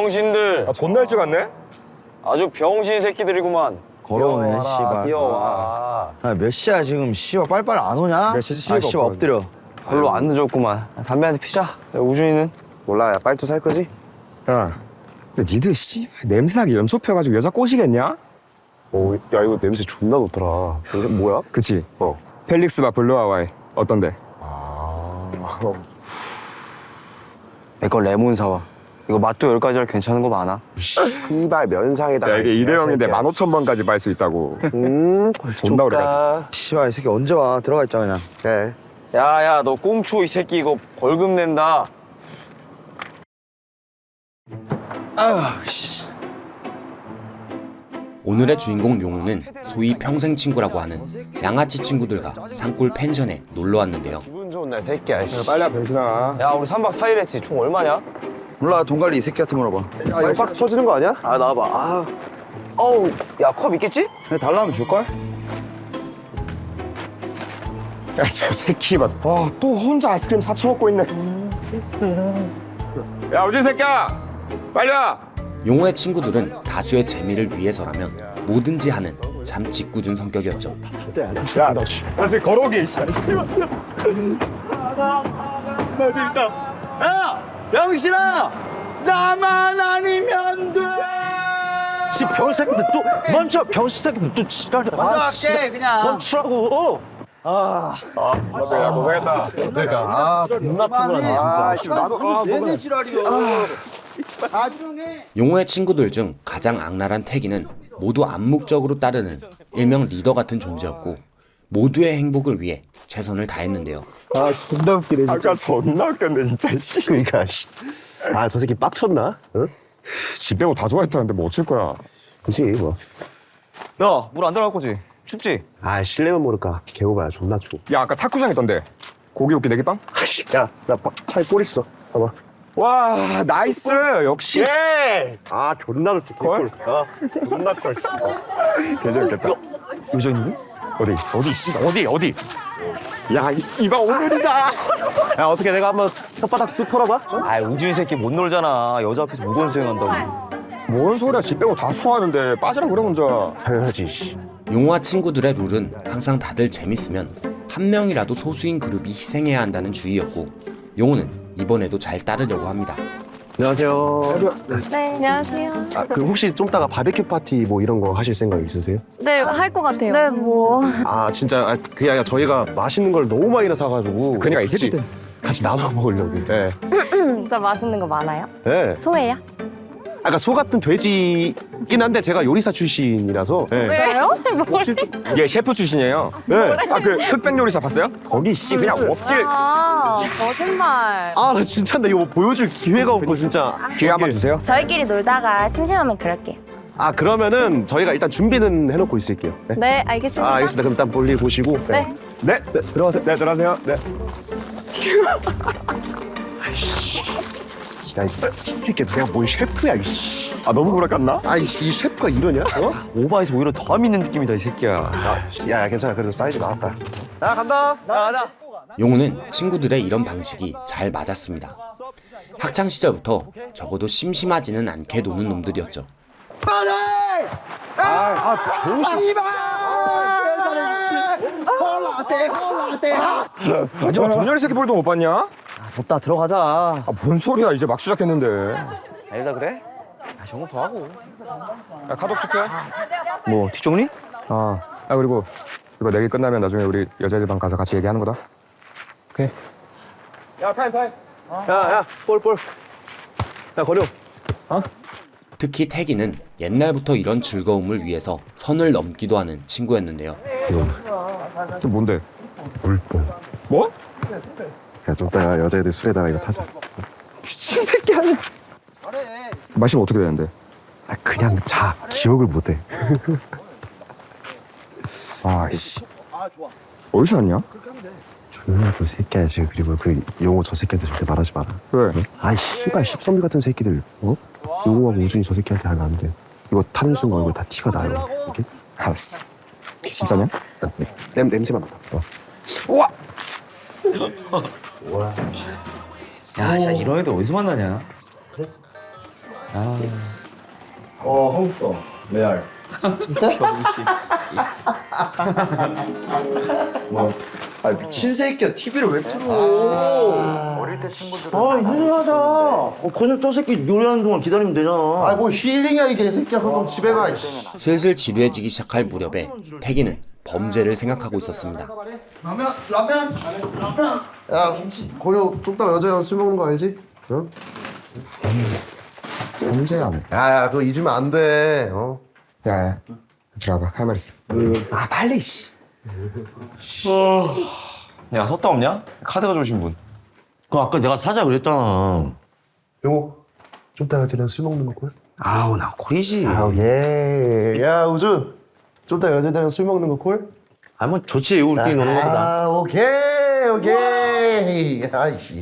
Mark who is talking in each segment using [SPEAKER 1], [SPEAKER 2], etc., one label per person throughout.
[SPEAKER 1] 병신들.
[SPEAKER 2] 아, 존나 일찍 왔네?
[SPEAKER 1] 아주 병신 새끼들이구만.
[SPEAKER 3] 걸어오네, 씨발.
[SPEAKER 1] 뛰어와.
[SPEAKER 3] 아, 몇 시야 지금? 씨발 빨리빨리 안 오냐?
[SPEAKER 2] 몇 시지?
[SPEAKER 3] 아, 씨발 엎드려.
[SPEAKER 1] 별로 안 늦었구만. 담배 한 대 피자. 야, 우준이는?
[SPEAKER 4] 몰라, 야, 빨리 또 살 거지?
[SPEAKER 2] 야, 근데 니들 씨 냄새나게 연초 펴가지고 여자 꼬시겠냐?
[SPEAKER 4] 오, 야, 이거 냄새 존나 좋더라. 이게 뭐야?
[SPEAKER 2] 그치?
[SPEAKER 4] 어.
[SPEAKER 2] 펠릭스바 블루 하와이 어떤데?
[SPEAKER 1] 내 거 레몬 사와. 이거 맛도 10가지라 괜찮은 거 많아.
[SPEAKER 4] 씨발 면상에다가.
[SPEAKER 2] 야, 이게 일회용인데 15,000번까지 말 수 있다고. 존나 오래가지.
[SPEAKER 3] 씨발 이 새끼 언제 와? 들어가 있자 그냥.
[SPEAKER 4] 그래.
[SPEAKER 1] 야야, 너 꽁초 이 새끼 이거 벌금 낸다.
[SPEAKER 5] 오늘의 주인공 용우는 소위 평생 친구라고 하는 양아치 친구들과 산골 펜션에 놀러 왔는데요.
[SPEAKER 4] 기분 좋은 날 새끼야.
[SPEAKER 2] 야, 빨리 와 병신아.
[SPEAKER 1] 야, 우리 3박 4일 했지. 총 얼마냐?
[SPEAKER 3] 몰라 돈 관리 이 새끼한테 물어봐.
[SPEAKER 4] 아, 이거 박스 터지는 거 아니야?
[SPEAKER 1] 아, 나와봐. 아. 어우, 야, 컵 있겠지?
[SPEAKER 3] 그냥 달라면 줄걸?
[SPEAKER 2] 야, 저 새끼 봐. 와, 또 혼자 아이스크림 사쳐 먹고 있네. 야, 우진 새끼야! 빨리 와!
[SPEAKER 5] 용우의 친구들은 다수의 재미를 위해서라면 뭐든지 하는 참 짓궂은 성격이었죠.
[SPEAKER 2] 야, 너 새끼 걸어오게. 씨.
[SPEAKER 3] 병신아! 나만 아니면 돼!
[SPEAKER 6] 씨 병새끼들 또 멈춰 병새끼들 또 지랄이야.
[SPEAKER 3] 먼저 할게 그냥.
[SPEAKER 6] 멈추라고.
[SPEAKER 2] 야, 고생했다.
[SPEAKER 3] 아 존나 피곤하네 진짜.
[SPEAKER 2] 나도
[SPEAKER 3] 내내 지랄이야. 나중에.
[SPEAKER 5] 용우의 친구들 중 가장 악랄한 태기는 모두 암묵적으로 따르는 일명 리더 같은 존재였고 모두의 행복을 위해 최선을 다했는데요.
[SPEAKER 4] 아, 존나 웃기네, 진짜.
[SPEAKER 2] 아까 존나 웃겼네, 진짜. 씨.
[SPEAKER 4] 그러니까, 씨. 아, 저 새끼 빡쳤나? 응?
[SPEAKER 2] 집 빼고 다 좋아했다는데 뭐 어쩔 거야.
[SPEAKER 4] 그치, 뭐.
[SPEAKER 1] 야, 물 안 들어갈 거지? 춥지?
[SPEAKER 4] 아, 실내면 모를까. 개오바야, 존나 추워.
[SPEAKER 2] 야, 아까 탁구장 있던데. 고기 굽기 내기빵?
[SPEAKER 4] 아씨, 야, 나 차에 볼 있어. 봐봐.
[SPEAKER 2] 와, 나이스. 역시.
[SPEAKER 4] 예! 아, 존나 좋지.
[SPEAKER 2] 걸?
[SPEAKER 4] 존나 걸.
[SPEAKER 2] 개재밌겠다.
[SPEAKER 1] 의자 있는데?
[SPEAKER 2] 어디, 씨, 어디? 야, 이봐, 오늘이다.
[SPEAKER 1] 야, 어떻게 내가 한번 혓바닥 쓱 털어봐? 아, 우준이 새끼 못 놀잖아. 여자 앞에서 무거운 수행한다고.
[SPEAKER 2] 뭔 소리야, 집 빼고 다 좋아하는데. 빠지라 그래, 먼저.
[SPEAKER 4] 당연하지, 씨.
[SPEAKER 5] 용우와 친구들의 룰은 항상 다들 재밌으면 한 명이라도 소수인 그룹이 희생해야 한다는 주의였고 용우는 이번에도 잘 따르려고 합니다.
[SPEAKER 4] 안녕하세요.
[SPEAKER 7] 네, 안녕하세요.
[SPEAKER 4] 아, 그 혹시 좀 따가 바베큐 파티 뭐 이런 거 하실 생각 있으세요?
[SPEAKER 7] 네, 할 것 같아요. 네, 뭐.
[SPEAKER 4] 아, 진짜, 그게 아니라 저희가 맛있는 걸 너무 많이 사가지고.
[SPEAKER 2] 그러니까 이
[SPEAKER 4] 같이-
[SPEAKER 2] 새끼들.
[SPEAKER 4] 같이 나눠 먹으려고. 네.
[SPEAKER 7] 진짜 맛있는 거 많아요?
[SPEAKER 4] 네.
[SPEAKER 7] 소예요?
[SPEAKER 4] 아까 소 같은 돼지긴 한데 제가 요리사 출신이라서. 네.
[SPEAKER 7] 왜요?
[SPEAKER 2] 얘 셰프 출신이에요.
[SPEAKER 4] 네.
[SPEAKER 2] 아, 그 흑백 요리사 봤어요? 거기 씨 그냥 엎질.
[SPEAKER 7] 아, 거짓말.
[SPEAKER 4] 아, 나 진짜 나 이거 뭐 보여줄 기회가 없고 진짜.
[SPEAKER 2] 기회 한번 주세요.
[SPEAKER 7] 저희끼리 놀다가 심심하면 그럴게요.
[SPEAKER 4] 아, 그러면은 저희가 일단 준비는 해놓고 있을게요. 네.
[SPEAKER 7] 네, 알겠습니다.
[SPEAKER 4] 아, 알겠습니다. 그럼 일단 볼일 보시고.
[SPEAKER 7] 네.
[SPEAKER 2] 네, 들어가세요. 네, 들어가세요. 네.
[SPEAKER 4] 야, 이 새끼 내가 뭘 셰프야, 이씨.
[SPEAKER 2] 아, 너무 구락갔나?
[SPEAKER 4] 아이씨, 이 셰프가 이러냐? 어?
[SPEAKER 1] 오바에서 오히려 더 믿는 느낌이다, 이 새끼야.
[SPEAKER 4] 야, 괜찮아. 그래도 사이즈 나왔다. 야, 간다.
[SPEAKER 1] 나가자.
[SPEAKER 5] 용우는 친구들의 이런 방식이 잘 맞았습니다. 학창 시절부터 적어도 심심하지는 않게 노는 놈들이었죠.
[SPEAKER 2] 아니, 분열이 새끼 볼도 못 봤냐?
[SPEAKER 1] 덥다, 들어가자.
[SPEAKER 2] 아, 뭔 소리야. 이제 막 시작했는데.
[SPEAKER 1] 아니다 그래? 아, 저거 더 하고.
[SPEAKER 2] 야, 카톡 체크해.
[SPEAKER 1] 뭐, 뒷정리?
[SPEAKER 2] 아, 그리고 이거 내기 끝나면 나중에 우리 여자애들 방 가서 같이 얘기하는 거다. 오케이.
[SPEAKER 4] 야, 볼. 야, 거려.
[SPEAKER 5] 특히 태기는 옛날부터 이런 즐거움을 위해서 선을 넘기도 하는 친구였는데요.
[SPEAKER 2] 또 뭔데?
[SPEAKER 4] 물뽕.
[SPEAKER 2] 뭐?
[SPEAKER 4] 야, 좀 따가 여자애들 술에다가 이거 타자.
[SPEAKER 2] 미친 새끼 아니야. 마시면 어떻게 되는데?
[SPEAKER 4] 아, 그냥 자. 기억을 못 해.
[SPEAKER 2] 아이씨. 어디서 왔냐?
[SPEAKER 4] 조용히 그 새끼야, 지금. 그리고 그 용호 저 새끼한테 절대 말하지 마라.
[SPEAKER 2] 왜?
[SPEAKER 4] 아이, 씨발, 십선비 같은 새끼들. 어? 용호하고 우준이 저 새끼한테 하면 안 돼. 이거 타는 순간 얼굴 다 티가 나요. 이게?
[SPEAKER 2] 알았어. 진짜냐?
[SPEAKER 4] 냄새만 맡아.
[SPEAKER 6] 야, 진짜 이런 애들 어디서 만나냐?
[SPEAKER 3] 한국서 레알. 아 미친 새끼야 TV를 왜 틀어?
[SPEAKER 6] 이상하다. 그냥 저 새끼 요리하는 동안 기다리면 되잖아.
[SPEAKER 3] 아뭐 힐링이야 이게 새끼야. 그럼 집에 가.
[SPEAKER 5] 슬슬 지루해지기 시작할 무렵에 태기는 범죄를 생각하고 있었습니다.
[SPEAKER 3] 라면. 야 건우 쪽다가 여자랑 술 먹는 거 알지? 어?
[SPEAKER 2] 범죄야.
[SPEAKER 3] 야야 그거 잊으면 안 돼. 어?
[SPEAKER 2] 야, 들어와봐. 할 말 있어.
[SPEAKER 6] 아 빨리 씨.
[SPEAKER 1] 야, 섰다 없냐? 카드 가져오신 분.
[SPEAKER 6] 그 아까 내가 사자 그랬잖아.
[SPEAKER 3] 요거 쪽다가 여자랑 술 먹는 거 꼴?
[SPEAKER 6] 아우 나 코이지.
[SPEAKER 3] 아우 예. 야 우준 쪽다가 여자들이랑 술 먹는 거 꼴?
[SPEAKER 6] 아뭐 좋지 우리끼리 노는 거보다.
[SPEAKER 3] 아 오케이. 아이씨.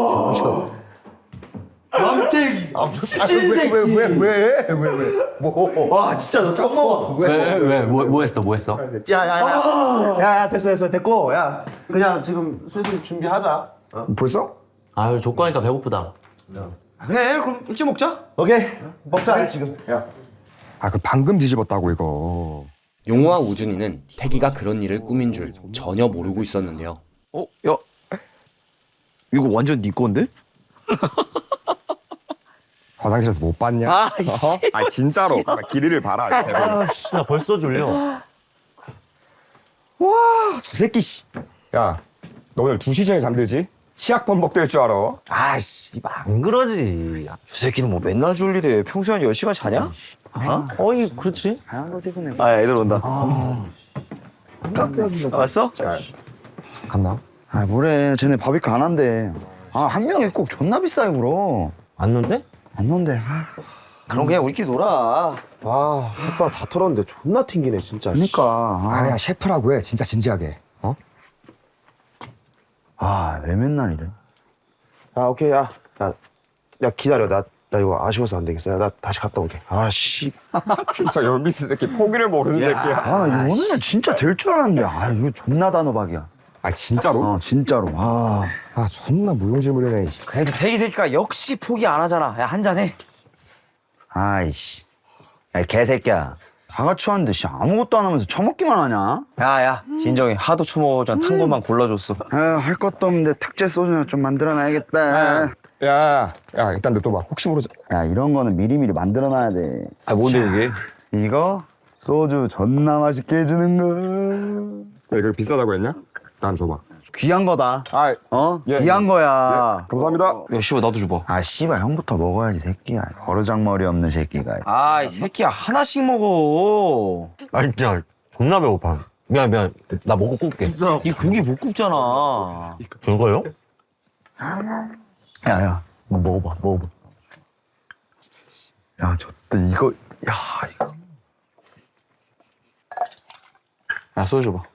[SPEAKER 3] 남태기. 미친 새끼. 왜? 뭐? 와 진짜 너 짱먹어.
[SPEAKER 6] 뭐 했어?
[SPEAKER 3] 야야야 됐어 됐고 야 그냥 지금 슬슬 준비하자.
[SPEAKER 2] 벌써?
[SPEAKER 6] 아유 족구하니까 배고프다.
[SPEAKER 1] 그래, 그럼 일찍 먹자.
[SPEAKER 3] 오케이 먹자 지금.
[SPEAKER 2] 아, 그 방금 뒤집었다고 이거.
[SPEAKER 5] 용호와 우준이는 태기가 그런 일을 꾸민 줄 전혀 모르고 있었는데요.
[SPEAKER 1] 야, 이거 완전 네 건데?
[SPEAKER 2] 화장실에서 못 봤냐? 아 진짜로. 길이를 봐라.
[SPEAKER 6] 나 벌써 졸려.
[SPEAKER 2] 저 새끼 씨. 야, 너 오늘 2시 전에 잠들지? 치약 범벅 될 줄 알아?
[SPEAKER 6] 아씨 안 그러지.
[SPEAKER 1] 이 새끼는 뭐 맨날 졸리대. 평소에 한 10시간 자냐?
[SPEAKER 6] 어이 그렇지.
[SPEAKER 1] 아, 애들 온다. 왔어?
[SPEAKER 2] 갔나?
[SPEAKER 8] 아 뭐래 쟤네 바비큐 안 한대. 아 한 명이 꼭 존나 비싸게 물어.
[SPEAKER 6] 왔는데?
[SPEAKER 8] 안 논대.
[SPEAKER 1] 그럼 그냥 우리끼리 놀아.
[SPEAKER 4] 아 햇반 다 털었는데 존나 튕기네 진짜.
[SPEAKER 8] 그러니까
[SPEAKER 2] 아, 그냥 셰프라고 해. 진짜 진지하게. 어?
[SPEAKER 8] 왜 맨날 이래.
[SPEAKER 4] 아 오케이 야 기다려 나 이거 아쉬워서 안 되겠어. 야, 나 다시 갔다 올게. 아씨
[SPEAKER 2] 진짜 열미스 새끼. 포기를 모르는 새끼야.
[SPEAKER 8] 오늘 진짜 될 줄 알았는데 이거 존나 단호박이야.
[SPEAKER 2] 아, 진짜로?
[SPEAKER 8] 진짜로.
[SPEAKER 2] 존나 무용지물이네.
[SPEAKER 1] 그래도 태기 새끼가 역시 포기 안 하잖아. 야, 한잔 해.
[SPEAKER 8] 아이씨. 야 개새끼야. 다 같이 왔는데 씨 아무것도 안 하면서 처먹기만 하냐?
[SPEAKER 1] 야, 진정해. 하도 처먹어전 탄 것만 골라줬어.
[SPEAKER 8] 할 것도 없는데 특제 소주나 좀 만들어놔야겠다.
[SPEAKER 2] 야, 일단 냅둬봐. 혹시 모르지.
[SPEAKER 8] 야 이런 거는 미리미리 만들어놔야 돼.
[SPEAKER 1] 아, 뭔데 그게?
[SPEAKER 8] 이거 소주 존나 맛있게 해주는 거.
[SPEAKER 2] 야, 이거 비싸다고 했냐? 난 줘봐.
[SPEAKER 8] 귀한 거다.
[SPEAKER 2] 예,
[SPEAKER 8] 귀한 거야.
[SPEAKER 2] 감사합니다.
[SPEAKER 1] 야, 씨발 나도 줘봐.
[SPEAKER 8] 씨발 형부터 먹어야지 새끼야. 버르장머리 없는 새끼가.
[SPEAKER 1] 이 새끼야 하나씩 먹어.
[SPEAKER 6] 아니 야 존나 배고파. 미안. 나 먹고 꿀게.
[SPEAKER 1] 이 고기 못 굽잖아.
[SPEAKER 6] 저거요?
[SPEAKER 8] 야 이거 먹어봐. 야 저때 이거 이거.
[SPEAKER 1] 야, 소주 줘봐.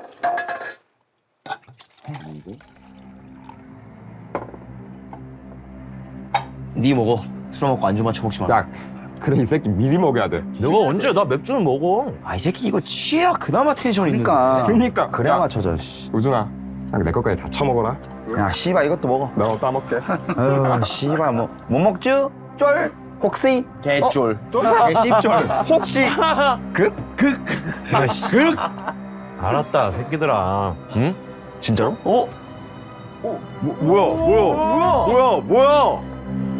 [SPEAKER 1] 네 먹어. 술 먹고 안주만 처먹지 마.
[SPEAKER 2] 야, 그래 이 새끼 미리 먹어야 돼.
[SPEAKER 6] 내가 언제 나 맥주는 먹어.
[SPEAKER 1] 이 새끼 이거 취해야 그나마 텐션 있는
[SPEAKER 2] 그러니까.
[SPEAKER 8] 그래야
[SPEAKER 2] 야,
[SPEAKER 8] 맞춰져. 씨.
[SPEAKER 2] 우준아, 내 것까지 다 처먹어라.
[SPEAKER 8] 야 씨발 이것도 먹어.
[SPEAKER 2] 너 따먹게.
[SPEAKER 8] 씨발 뭐 먹죠? 쫄 혹시
[SPEAKER 1] 개쫄.
[SPEAKER 8] 개씹쫄 혹시
[SPEAKER 6] 알았다 새끼들아. 응?
[SPEAKER 8] 진짜로?
[SPEAKER 6] 뭐야?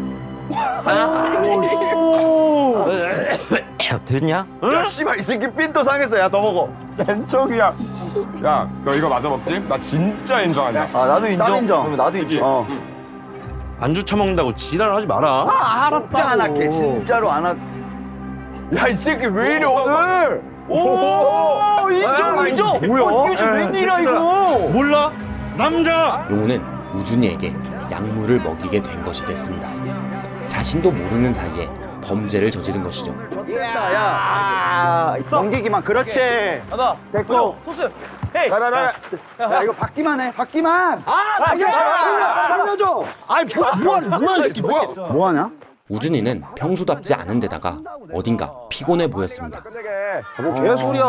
[SPEAKER 1] 됐냐?
[SPEAKER 6] 야 씨발 이 새끼 삔또 상했어. 야 더 먹어.
[SPEAKER 2] 벤척이야. 야, 너 이거 마저 먹지? 나 진짜 인정한다.
[SPEAKER 1] 나도 인정.
[SPEAKER 8] 쌈 인정.
[SPEAKER 1] 그러면 나도 인정.
[SPEAKER 6] 안주 처먹는다고 지랄하지 마라.
[SPEAKER 8] 알았지 안 할게. 진짜로 안 할게.
[SPEAKER 6] 야 이 새끼 왜 이래 오늘?
[SPEAKER 1] 오, 인정. 뭐야? 이게 웬일이야 이거?
[SPEAKER 6] 몰라? 남자.
[SPEAKER 5] 용호는 우준이에게 약물을 먹이게 된 것이 됐습니다. 자신도 모르는 사이에 범죄를 저지른 것이죠.
[SPEAKER 8] 넘기기만 그렇지.
[SPEAKER 1] 하나,
[SPEAKER 8] 됐고.
[SPEAKER 1] 소스. 헤이.
[SPEAKER 8] 야 이거 받기만 해. 받기만.
[SPEAKER 1] 알려줘.
[SPEAKER 6] 뭐하는 새끼 뭐야?
[SPEAKER 8] 뭐하냐?
[SPEAKER 5] 우준이는 평소답지 않은 데다가 어딘가 피곤해 보였습니다.
[SPEAKER 4] 뭐 개소리야.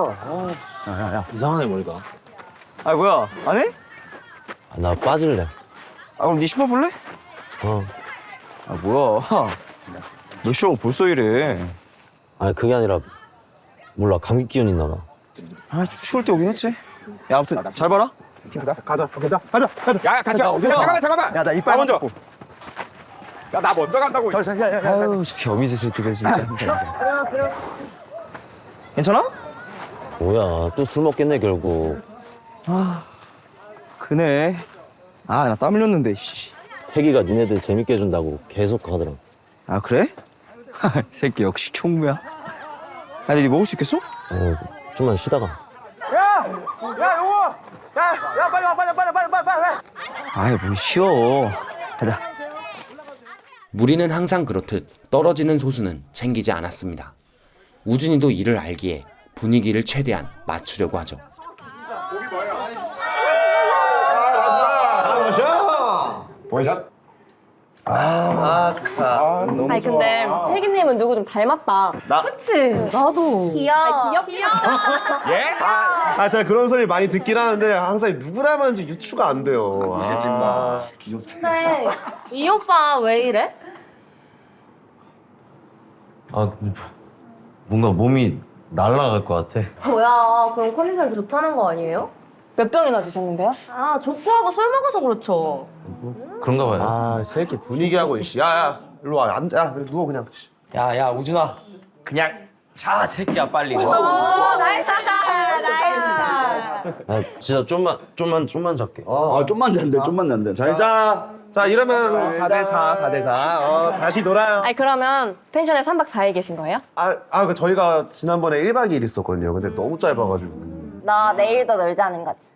[SPEAKER 1] 이상하네 머리가. 뭐야? 안 해?
[SPEAKER 6] 나 빠질래.
[SPEAKER 1] 그럼 네 신발 볼래?
[SPEAKER 6] 어.
[SPEAKER 1] 뭐야? 너 싫어 벌써 이래.
[SPEAKER 6] 아니 그게 아니라 몰라 감기 기운 있나 봐.
[SPEAKER 1] 아 좀 추울 때 오긴 했지. 야 아무튼 잘 봐라.
[SPEAKER 2] 가자. 야, 같이 가. 잠깐만. 야, 나 이빨 먼저. 야, 나 먼저 간다고.
[SPEAKER 1] 아유 저 겸이지 새끼들 진짜. 괜찮아?
[SPEAKER 6] 뭐야 또 술 먹겠네 결국.
[SPEAKER 1] 그네. 아 나 땀 흘렸는데. 씨.
[SPEAKER 6] 태기가 니네들 재밌게 해준다고 계속 가더라.
[SPEAKER 1] 아 그래? 새끼 역시 총무야. 야 근데 니 먹을 수 있겠어?
[SPEAKER 6] 좀만 쉬다가.
[SPEAKER 1] 아이 뭘 쉬어. 가자.
[SPEAKER 5] 무리는 항상 그렇듯 떨어지는 소수는 챙기지 않았습니다. 우준이도 이를 알기에 분위기를 최대한 맞추려고 하죠.
[SPEAKER 2] 원샷.
[SPEAKER 7] 아니 근데 태기님은 누구 좀 닮았다.
[SPEAKER 3] 나?
[SPEAKER 7] 그치? 나도. 귀여워. 귀엽다.
[SPEAKER 2] 예?
[SPEAKER 3] 아, 제가 그런 소리 많이 듣긴 하는데 항상 누구 닮았는지 유추가 안 돼요. 아,
[SPEAKER 7] 근데 이 오빠 왜 이래?
[SPEAKER 6] 아 뭔가 몸이 날아갈 것 같아.
[SPEAKER 7] 뭐야, 그럼 컨디션이 좋다는 거 아니에요? 몇 병이나 드셨는데요? 아, 족구하고 술 먹어서 그렇죠.
[SPEAKER 6] 그런가 봐요.
[SPEAKER 3] 아, 새끼 분위기하고 씨. 야, 일로 와. 앉아. 야, 누워 그냥.
[SPEAKER 1] 야야 우준아. 그냥 자 새끼야 빨리.
[SPEAKER 7] 오, 나이스.
[SPEAKER 6] 아 진짜 좀만 잘게.
[SPEAKER 8] 좀만 잔대. 잘 자.
[SPEAKER 3] 자, 이러면 4대4. 다시 놀아요.
[SPEAKER 7] 아니, 그러면 펜션에 3박 4일 계신 거예요?
[SPEAKER 3] 그 저희가 지난번에 1박 2일 있었거든요. 근데 너무 짧아가지고.
[SPEAKER 7] 너 내일도 놀자는 거지.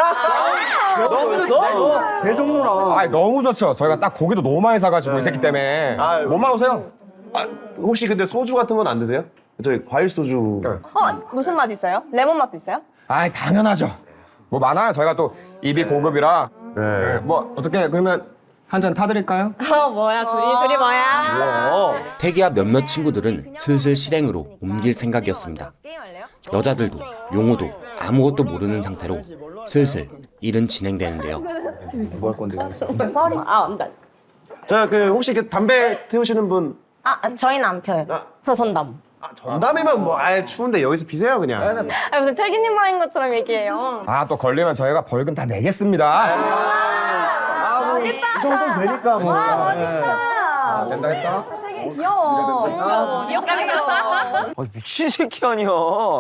[SPEAKER 3] 계속 놀아.
[SPEAKER 2] 아, 너무 좋죠. 저희가 딱 고기도 너무 많이 사가지고 이 새끼 때문에. 뭐만 오세요?
[SPEAKER 3] 혹시 근데 소주 같은 건 안 드세요? 저희 과일 소주.
[SPEAKER 7] 무슨 맛 있어요? 레몬 맛도 있어요?
[SPEAKER 2] 아, 당연하죠. 뭐 많아요. 저희가 또 입이 고급이라.
[SPEAKER 3] 네.
[SPEAKER 2] 뭐 어떻게 그러면 한 잔 타드릴까요?
[SPEAKER 7] 뭐야, 둘이 뭐야?
[SPEAKER 5] 태기와 몇몇 친구들은 슬슬 실행으로 옮길 생각이었습니다. 여자들도 용호도 아무것도 모르는 상태로 슬슬 일은 진행되는데요.
[SPEAKER 1] 뭐 할 건데?
[SPEAKER 7] 썰이. 안 돼.
[SPEAKER 3] 자, 그 혹시 그 담배 태우시는 분?
[SPEAKER 7] 저희는 안 펴요. 저 전담.
[SPEAKER 3] 전담이면 뭐 추운데 여기서 피세요 그냥.
[SPEAKER 7] 무슨 태기님 말인 것처럼 얘기해요.
[SPEAKER 2] 아, 또 걸리면 저희가 벌금 다 내겠습니다.
[SPEAKER 3] 이 정도면 되니까 뭐.
[SPEAKER 7] 멋있다.
[SPEAKER 2] 된다 했다.
[SPEAKER 7] 태기 귀여워. 귀엽게 생겼어.
[SPEAKER 1] 아 미친 새끼 아니야.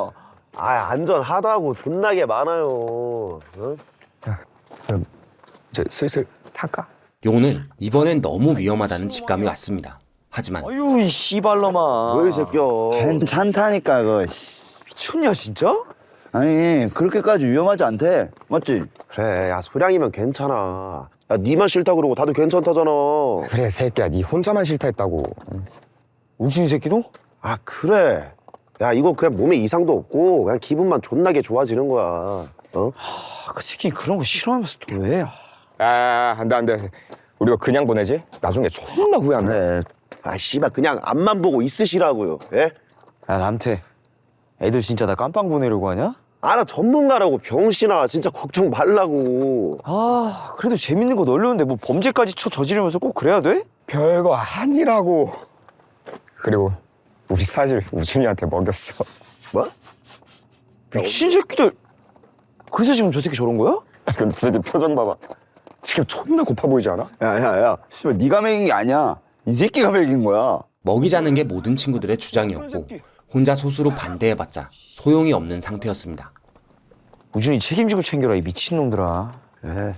[SPEAKER 3] 안전하다고 존나게 많아요.
[SPEAKER 2] 그럼 이제 슬슬 탈까?
[SPEAKER 5] 용호는 이번엔 너무 위험하다는 직감이 왔습니다. 하지만
[SPEAKER 1] 아유 이 씨발놈아.
[SPEAKER 3] 왜 새끼야?
[SPEAKER 8] 괜찮다니까 그거.
[SPEAKER 1] 미쳤냐 진짜?
[SPEAKER 8] 아니 그렇게까지 위험하지 않대. 맞지?
[SPEAKER 3] 그래, 야 소량이면 괜찮아. 야 니만 싫다 그러고 다들 괜찮다잖아.
[SPEAKER 2] 그래 새끼야, 네 혼자만 싫다 했다고.
[SPEAKER 1] 우준이 새끼도?
[SPEAKER 3] 아 그래. 야 이거 그냥 몸에 이상도 없고 그냥 기분만 존나게 좋아지는 거야.
[SPEAKER 1] 그 새끼 그런 거 싫어하면서 또 왜?
[SPEAKER 2] 안돼. 우리가 그냥 보내지? 나중에 존나 후회한다.
[SPEAKER 8] 그래.
[SPEAKER 3] 아 씨발 그냥 앞만 보고 있으시라고요. 예?
[SPEAKER 1] 야 남태. 애들 진짜 나 깜빵 보내려고 하냐?
[SPEAKER 3] 나 전문가라고 병신아. 진짜 걱정 말라고.
[SPEAKER 1] 아 그래도 재밌는 거 널렸는데 뭐 범죄까지 저지르면서 꼭 그래야 돼?
[SPEAKER 2] 별거 아니라고. 그리고 우리 사실 우준이한테 먹였어.
[SPEAKER 3] 뭐?
[SPEAKER 1] 미친 새끼들. 그래서 지금 저 새끼 저런 거야?
[SPEAKER 2] 근데 새끼 표정 봐봐. 지금 존나 고파 보이지 않아?
[SPEAKER 8] 야야야. 씨발 네가 먹인 게 아니야. 이 새끼가 먹인 거야.
[SPEAKER 5] 먹이자는 게 모든 친구들의 주장이었고 혼자 소수로 반대해봤자 소용이 없는 상태였습니다.
[SPEAKER 1] 우준이 책임지고 챙겨라 이 미친놈들아.
[SPEAKER 3] 예.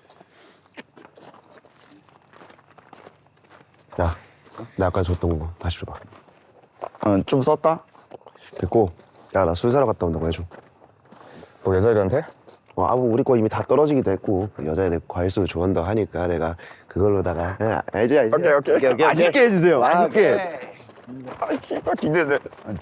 [SPEAKER 3] 야, 나 아까 줬던 거 다시 줘봐.
[SPEAKER 8] 좀 썼다.
[SPEAKER 3] 됐고, 야 나 술 사러 갔다 온다고 해줘.
[SPEAKER 2] 뭐 여자애들한테?
[SPEAKER 3] 우리 거 이미 다 떨어지기도 했고 여자애들 과일 소주 좋아한다고 하니까 내가 그걸로다가 알지?
[SPEAKER 8] 오케이. 맛있게 해주세요. 맛있게.
[SPEAKER 2] 씨발 기대돼.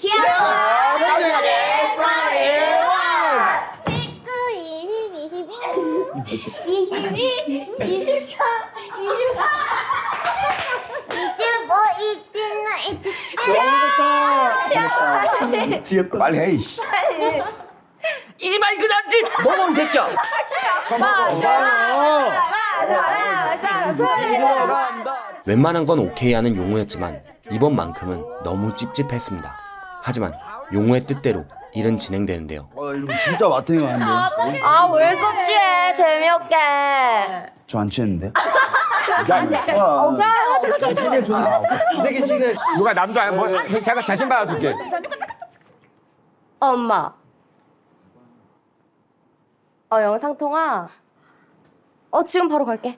[SPEAKER 7] 25,
[SPEAKER 8] 빨리 해 이씨.
[SPEAKER 1] 이 마이크 잡지! 너무 이 새끼야!
[SPEAKER 5] 웬만한 건 오케이 하는 용호였지만 이번만큼은 너무 찝찝했습니다. 하지만 용호의 뜻대로 일은 진행되는데요.
[SPEAKER 8] 이거 진짜 마탱이 아닌데.
[SPEAKER 7] 아, 왜 서치해? 재미없게.
[SPEAKER 8] 저 안 취했는데?
[SPEAKER 2] 되게 지금 누가 남자야? 뭐 제가 자신 받아줄게.
[SPEAKER 7] 엄마. 영상 통화. 지금 바로 갈게.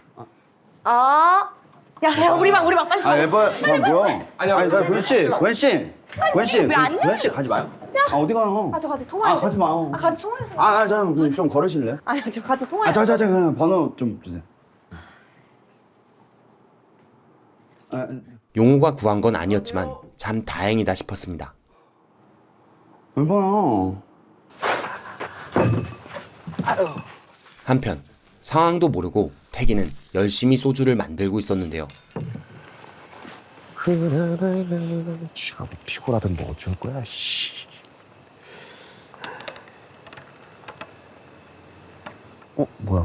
[SPEAKER 7] 야, 우리 방 빨리.
[SPEAKER 8] 에바, 뭐야? 아니, 고현 씨.
[SPEAKER 7] 왜안 돼?
[SPEAKER 8] 고현 씨 가지 마요. 어디 가요?
[SPEAKER 7] 저 같이 통화해.
[SPEAKER 8] 가지 마요.
[SPEAKER 7] 같이 통화해서.
[SPEAKER 8] 좀 걸으실래요?
[SPEAKER 7] 저 같이 통화해.
[SPEAKER 8] 그냥 번호 좀 주세요.
[SPEAKER 5] 용호가 구한 건 아니었지만 참 다행이다 싶었습니다.
[SPEAKER 8] 여봐요.
[SPEAKER 5] 한편 상황도 모르고 태기는 열심히 소주를 만들고 있었는데요.
[SPEAKER 4] 쥐가 뭐 피곤하든 뭐 어쩔 거야, 씨. 뭐야?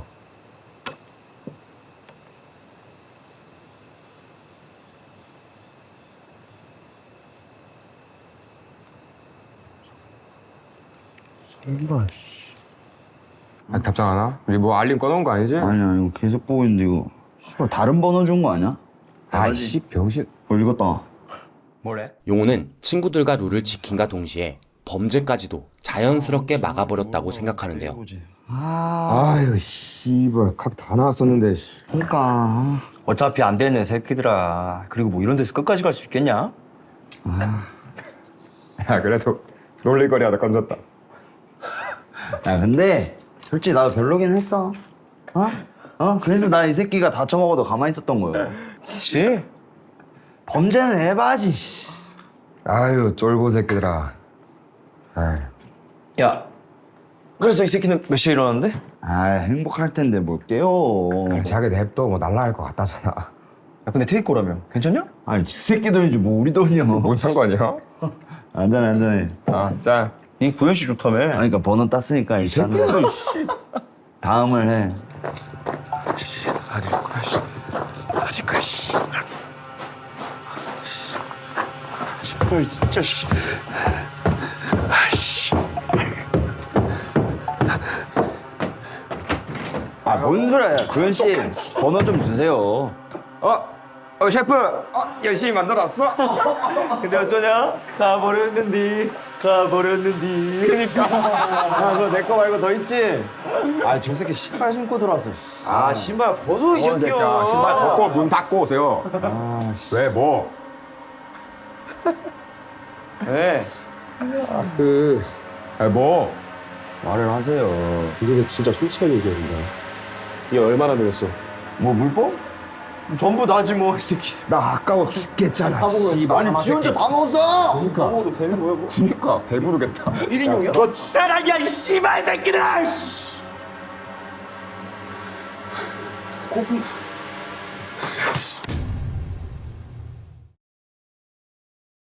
[SPEAKER 4] 설마, 씨.
[SPEAKER 2] 답장 안 와? 우리 뭐 알림 꺼놓은 거 아니지?
[SPEAKER 8] 아니야, 이거 계속 보고 있는데 이거. 씨발, 다른 번호 준 거 아니야?
[SPEAKER 2] 아이씨 병신.
[SPEAKER 8] 읽었다.
[SPEAKER 1] 뭐래?
[SPEAKER 5] 용호는 친구들과 룰을 지킨과 동시에 범죄까지도 자연스럽게 막아버렸다고 생각하는데요.
[SPEAKER 2] 아유 씨발 각 다 나왔었는데.
[SPEAKER 8] 그러니까.
[SPEAKER 1] 어차피 안 되는 새끼들아. 그리고 뭐 이런 데서 끝까지 갈 수 있겠냐?
[SPEAKER 2] 야 그래도 놀릴거리 하나 건졌다.
[SPEAKER 8] 야, 근데 솔직히 나도 별로긴 했어. 그래서 나 이 새끼가 다쳐먹어도 가만히 있었던 거예요.
[SPEAKER 1] 그치?
[SPEAKER 8] 범죄는 해봐야지. 씨.
[SPEAKER 2] 아유 쫄보 새끼들아.
[SPEAKER 1] 야, 그래서 이 새끼는 몇 시에 일어났는데?
[SPEAKER 8] 행복할 텐데 뭘 깨워.
[SPEAKER 2] 자기 냅도 뭐 날라갈 것 같다잖아.
[SPEAKER 1] 야, 근데 테이크 거라며. 괜찮냐?
[SPEAKER 8] 아니, 지 새끼 돈이지 뭐 우리 돈이야.
[SPEAKER 2] 뭔 상관이야?
[SPEAKER 8] 안전해.
[SPEAKER 2] 자.
[SPEAKER 1] 네 구현 씨 좋다며.
[SPEAKER 8] 그러니까 번호 땄으니까 일단은 다음을 해.
[SPEAKER 4] 진짜, 씨.
[SPEAKER 8] 뭔 소리야. 구현 씨, 번호 좀 주세요.
[SPEAKER 2] 셰프 열심히 만들었어.
[SPEAKER 1] 근데 어쩌냐? 가버렸는디.
[SPEAKER 8] 야, 너 내 거 말고 더 있지? 저 새끼 신발 신고 들어왔어.
[SPEAKER 1] 아, 신발 벗어, 이 새끼야.
[SPEAKER 2] 신발 벗고 문 닫고 오세요. 왜 뭐?
[SPEAKER 1] 왜?
[SPEAKER 2] 뭐?
[SPEAKER 8] 말을 하세요.
[SPEAKER 4] 근데 진짜 솔직하게 얘기한다. 얘 얼마나 배웠어?
[SPEAKER 8] 뭐 물법?
[SPEAKER 1] 전부 나지 뭐, 이 새끼.
[SPEAKER 2] 나 아까워 죽겠잖아.
[SPEAKER 8] 아니, 지 혼자 다 넣었어!
[SPEAKER 1] 먹어도 되는 거야, 뭐.
[SPEAKER 2] 그니까 배부르겠다.
[SPEAKER 1] 1인용이야?
[SPEAKER 6] 너 사람이야, 이 씨발 새끼들아!
[SPEAKER 1] 고기